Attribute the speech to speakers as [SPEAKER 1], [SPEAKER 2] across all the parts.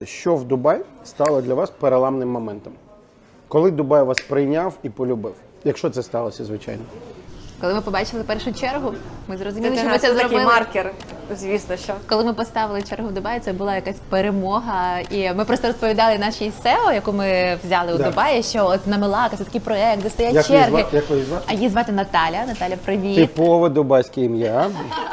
[SPEAKER 1] Що в Дубаї стало для вас переламним моментом? Коли Дубай вас прийняв і полюбив? Якщо це сталося, звичайно.
[SPEAKER 2] Коли ми побачили першу чергу, ми зрозуміли,
[SPEAKER 3] Це
[SPEAKER 2] що ми це
[SPEAKER 3] такий
[SPEAKER 2] зробили.
[SPEAKER 3] маркер, звісно, що.
[SPEAKER 2] Коли ми поставили чергу в Дубаї, це була якась перемога. І ми просто розповідали нашій SEO, яку ми взяли у Дубаї, що от на Мелака це такий проект, де стоять черги.
[SPEAKER 1] Як її звати?
[SPEAKER 2] А її звати Наталя. Наталя, привіт.
[SPEAKER 1] Типове дубайське ім'я.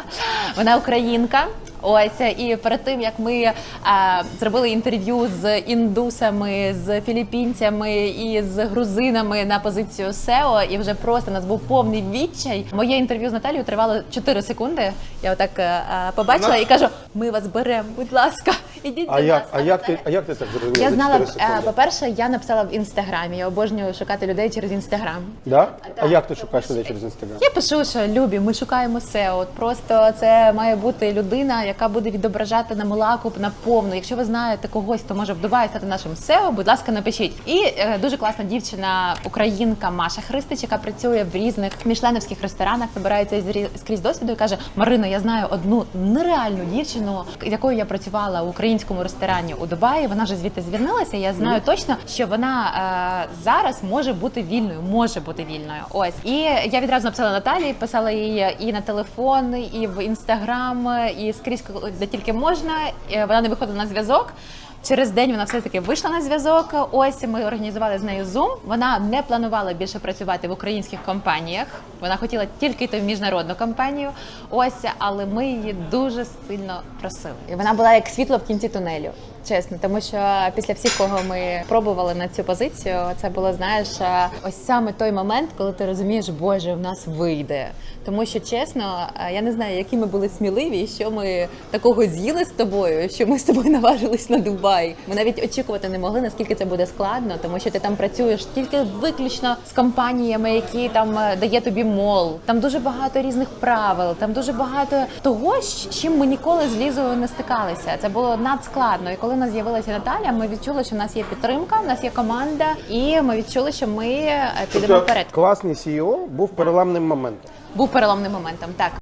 [SPEAKER 2] Вона українка. Ось, і перед тим, як ми зробили інтерв'ю з індусами, з філіппінцями і з грузинами на позицію SEO, і вже просто у нас був повний відчай. Моє інтерв'ю з Наталією тривало 4 секунди. Я отак побачила і кажу, ми вас беремо, будь ласка, ідіть до нас.
[SPEAKER 1] А як ти так зрозуміла?
[SPEAKER 2] Я
[SPEAKER 1] за
[SPEAKER 2] знала,
[SPEAKER 1] 4 секунди?
[SPEAKER 2] по-перше, я написала в Інстаграмі, я обожнюю шукати людей через Інстаграм.
[SPEAKER 1] Да? А як ти шукаєш людей через Інстаграм?
[SPEAKER 2] Я пишу, що любі, ми шукаємо SEO. От просто це має бути людина, яка буде відображати на Мелаку на повну. Якщо ви знаєте когось, хто може в Дубаї стати нашим SEO, будь ласка, напишіть. І дуже класна дівчина, українка Маша Христич, яка працює в різних мішленівських ресторанах, набирається скрізь досвіду і каже: Марино, я знаю одну нереальну дівчину, якою я працювала в українському ресторані у Дубаї. Вона вже звідти звільнилася. Я знаю точно, що вона зараз може бути вільною. Ось. І я відразу написала Наталії, писала їй і на телефон, і в Інстаграм, і скрізь, де тільки можна. Вона не виходила на зв'язок. Через день вона все-таки вийшла на зв'язок. Ось ми організували з нею Zoom. Вона не планувала більше працювати в українських компаніях. Вона хотіла тільки йти в міжнародну компанію. Ось, але ми її дуже сильно просили. І вона була як світло в кінці тунелю. Чесно, тому що після всіх, кого ми пробували на цю позицію, це було, знаєш, ось саме той момент, коли ти розумієш, Боже, в нас вийде. Тому що, чесно, я не знаю, які ми були сміливі, що ми такого з'їли з тобою, що ми з тобою наважились на Дубай. Ми навіть очікувати не могли, наскільки це буде складно, тому що ти там працюєш тільки виключно з компаніями, які там дає тобі мол. Там дуже багато різних правил, там дуже багато того, з чим ми ніколи з Лізою не стикалися. Це було надскладно. І коли в нас з'явилася Наталя, ми відчули, що в нас є підтримка, в нас є команда, і ми відчули, що ми підемо вперед.
[SPEAKER 1] Класний CEO був переламним моментом.
[SPEAKER 2] Був переломним моментом, так.